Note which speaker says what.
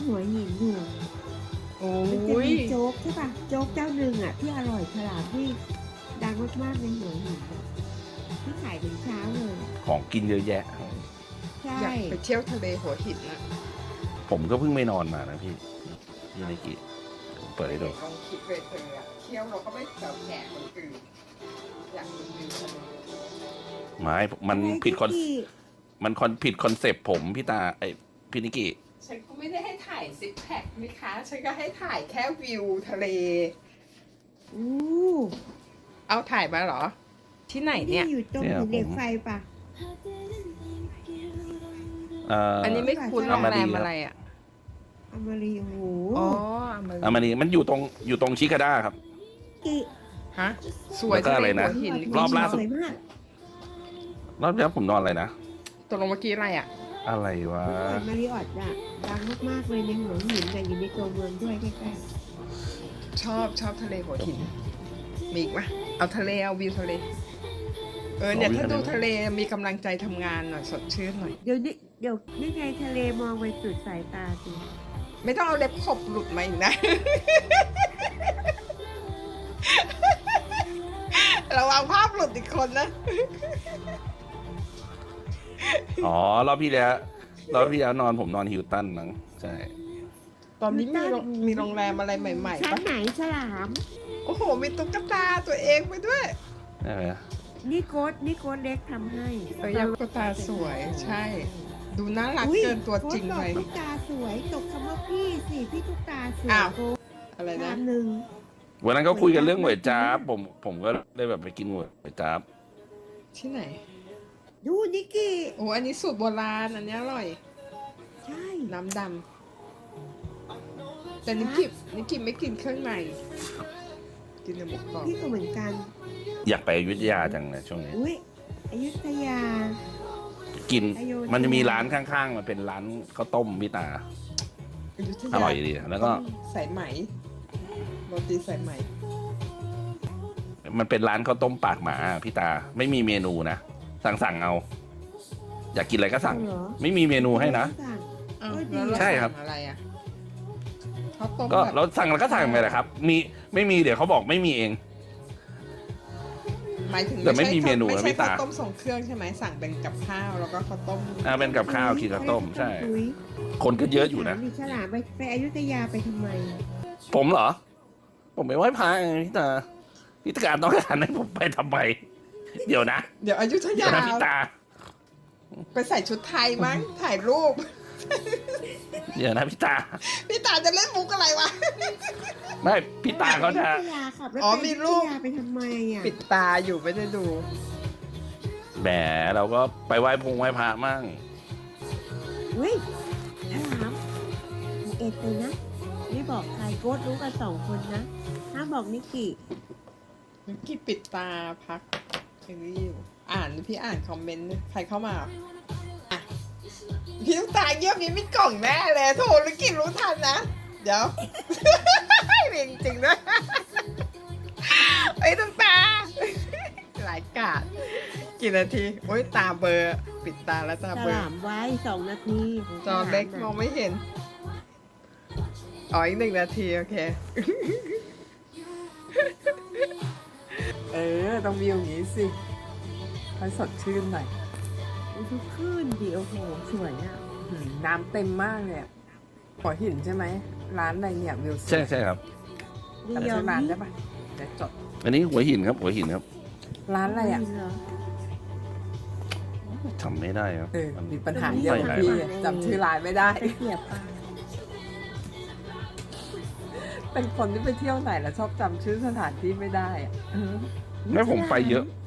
Speaker 1: หัวหินอยู่
Speaker 2: โอ้
Speaker 1: มันจะ
Speaker 2: ย
Speaker 1: มีโจ๊กใช่ป่ะโจ๊กเจ้าหนึ่งอ่ะที่อร่อยฉลาดที่ดังมากๆในหัวหินอะที่ขายถึงเช้าเลยอะ
Speaker 3: ของกินเยอะแยะ
Speaker 1: ใช่
Speaker 2: อยากไปเที่ยวทะเลหัวหินอะ
Speaker 3: ผมก็เพิ่งไม่นอนมานะพี่นิกิเปิดให้ดู
Speaker 2: ลองคิดเลยเธออะเที่ยวเราก็ไม่แถวแขกคนอื่นอยากดูวิวทะเล
Speaker 3: ไม้มันผิดคอน
Speaker 1: ที่
Speaker 3: ผิดคอนเซปต์ผมพี่ตาไอพี่นิกิ
Speaker 2: ฉันก็ไม่ได้ให้ถ่ายซิกแพคนะคะฉันก็ให้ถ่ายแค่วิวทะเล
Speaker 1: อู้
Speaker 2: เอาถ่ายมาเหรอ ที่ไหนเนี่ย
Speaker 1: ที่อยู่ตรงหินเหล็กไฟป่ะ
Speaker 2: อันนี้ไม่คุ้นโรงแรมอะไรอ่ะ
Speaker 1: อมรีโอ้โห
Speaker 2: อ๋อ
Speaker 3: มันนี่มันอยู่ตรงชิคาด้าครับ
Speaker 1: กิ
Speaker 2: ฮะสวย
Speaker 3: แล้วก็อะไรนะ
Speaker 2: หัวหิน
Speaker 3: รอบล่าสุด
Speaker 1: สวยมาก
Speaker 3: รอบนี้ผมนอนอะไรนะ
Speaker 2: ตกลงเมื่อกี้อะไรอ่ะ
Speaker 3: อะไรวะ
Speaker 1: มาริออทอะดังมากๆเลยในหัวหินแต่อยู่ในตัวเมืองด้วยใกล้
Speaker 2: ชอบทะเลหัวหิน มีอีกไหมเอาทะเลเอาวิวทะเล เนี่ยถ้าดูทะเลมีกำลังใจทำงานหน่อยสดชื่นหน่อย
Speaker 1: ๆเดี๋ยวนี่ไงทะเลมองไปสุดสายตาสิ
Speaker 2: ไม่ต้องเอาเล็บขบหลุดมาอีกนะ ระวังภาพหลุดอีกคนนะ
Speaker 3: อ๋อรอบที่แล้วนอนผมนอนฮิลตันมั้งใช่
Speaker 2: ตอนนี้มีโรงแรมอะไรใหม่ๆ
Speaker 1: ชั้น
Speaker 2: ปะ
Speaker 1: ไหนฉลาม
Speaker 2: โอ้โห มีตุ๊กตาตัวเองไปด้วย
Speaker 3: ใช่ไหม
Speaker 1: นี่โค้ดเล็กทำให้
Speaker 2: ยักษ์ตุ๊กตาสวยใช่ ดูน่ารัก
Speaker 1: อุ๊ย
Speaker 2: เกินตัวจริง
Speaker 1: โค้
Speaker 2: ไป
Speaker 1: ดบอกตุ๊กตาสวยตกคำว่าพี่สิพี่ตุ๊กตาสวย
Speaker 2: อ้าว
Speaker 1: โค้ด
Speaker 2: อะไร
Speaker 1: ชา
Speaker 2: นะ
Speaker 1: มหนึ่ง
Speaker 3: วันนั้นก็คุยกันเรื่องหวยจ้าบผมก็เลยแบบไปกินหวยจ้าบ
Speaker 2: ที่ไหน
Speaker 1: ดูนิกกี้
Speaker 2: โอ้อันนี้สูตรโบราณ อันนี้อร่อย
Speaker 1: ใช่
Speaker 2: น้ำดำแต่นิกกิไม่กินเครื่องใน กินแต่หมูกรอบ
Speaker 1: พี่ก็เหมือนกัน
Speaker 3: อยากไปอยุธยาจังเลยช่วงนี้
Speaker 1: อุ้ยอยุธยา
Speaker 3: กิน
Speaker 1: อโยธยามั
Speaker 3: มันจะมีร้านข้างๆมันเป็นร้านข้าวต้มพี่ตา
Speaker 2: ยุธ
Speaker 3: อร่อยดีแล้วก็
Speaker 2: สายไหมโรตีสายไหม
Speaker 3: มันเป็นร้านข้าวต้มปากหมาพี่ตาไม่มีเมนูนะสั่งเอา อยากกินอะไรก็สั่ง
Speaker 1: เหรอ
Speaker 3: ไม่มีเมนูให้นะ
Speaker 1: สั่ง
Speaker 2: อ้าว
Speaker 1: เออดี
Speaker 2: แล้วเรา
Speaker 3: ใช่ครับ
Speaker 2: สั่งอะไรอ่ะข้าวต้ม
Speaker 3: ก็
Speaker 2: แบบ
Speaker 3: เราสั่งแล้วก็สั่งไปแหละครับ มีไม่มีเดี๋ยวเขาบอกไม่มีเอง
Speaker 2: หมายถึง
Speaker 3: แต่ไม่มีเมนูนะ
Speaker 2: ไม่ใช่
Speaker 3: พี่ตา
Speaker 2: ข้าวต้มส่งเครื่องใช่ไหมสั่งเป็นกับข้าวแล้วก็ข้าวต้ม
Speaker 3: เป็นกับข้าวกินข้าวต้มใช่
Speaker 1: อุ๊ย
Speaker 3: คนก็เยอะอยู่นะ
Speaker 1: ถามดิฉลามไปอยุธยาไปทำไม
Speaker 3: ผมเหรอ ผมไปไหว้พระไงพี่ตาพี่ตาการต้องการให้ผมไปทำไมเดี๋ยวนะ
Speaker 2: เดี๋ยวอยุธ
Speaker 3: เดี๋ย
Speaker 2: ยาว
Speaker 3: นะพี่ตา
Speaker 2: ไปใส่ชุดไทยมั้งถ่ายรูป
Speaker 3: เดี๋ยวนะพี่ตา
Speaker 2: พี่ตาจะเล่นมุกอะไรวะ
Speaker 3: ไม่พี่ตาเขาจะ
Speaker 1: อยุธยาขับรถ
Speaker 2: อ๋อ
Speaker 1: ไป
Speaker 2: มี
Speaker 1: อ
Speaker 2: รู
Speaker 1: ยุ
Speaker 2: ป
Speaker 1: ธยาไปทำไมอ่ะ
Speaker 2: ปิดตาอยู่ไม่ได้ดู
Speaker 3: แหมเราก็ไปไหว้พระมั่ง
Speaker 1: เฮ้ยฉลามเอ็ดเลยนะไม่บอกใครโค้ดรู้กัน2 คนนะห้ามบอกนิกกี้
Speaker 2: นิกกี้ปิดตาพักอย่างนี้อยู่พี่อ่านคอมเมนต์ใครเข้ามาอ่ะพี่ตุ๊กตาเยี่ยมนี้มีกล่องแน่เลยโถนิกกี้รู้ทันนะ เดี๋ยว เรียงจริงด้วยไอ้ยตุ๊กตาหลายกาดกี่นาทีโอ้ยตาเบลอร์ปิดตาแล้วตา
Speaker 1: ฉ
Speaker 2: เบลอ
Speaker 1: ลามไว้2 นาที
Speaker 2: จอเล็กมองไม่เห็น อ๋ออีก1 นาทีโอเค ต้องวิวอย่างนี้สิให้สดชื่นหน่อย
Speaker 1: ทุกขึ้นดิโอ้โหสวยอ่ะ
Speaker 2: น้ำเต็มมากเลยอะหัวหินใช่ไหม ร้านอะไรเนี่ยวิวสวย
Speaker 3: ใช่ครับ
Speaker 1: ดี
Speaker 2: แต่
Speaker 1: ยอ
Speaker 2: ชื่
Speaker 1: ม
Speaker 2: อร้าน
Speaker 1: นี่
Speaker 2: ได้ปะเดี๋ยวจด
Speaker 3: อันนี้หัวหินครับ หัวหินครับ
Speaker 2: ร้านอะไรอ่ะ
Speaker 1: เหรอ
Speaker 3: จำไม่ได้ครับ
Speaker 2: มีปัญหาเยอะกับพี่จำชื่อร้านไม่ได้
Speaker 1: ไปเกียบปลา
Speaker 2: เป็นคนที่ไปเที่ยวไหนแล้วชอบจำชื่อสถานที่ไม่ได้อะ
Speaker 3: แม่ผมไปเยอะ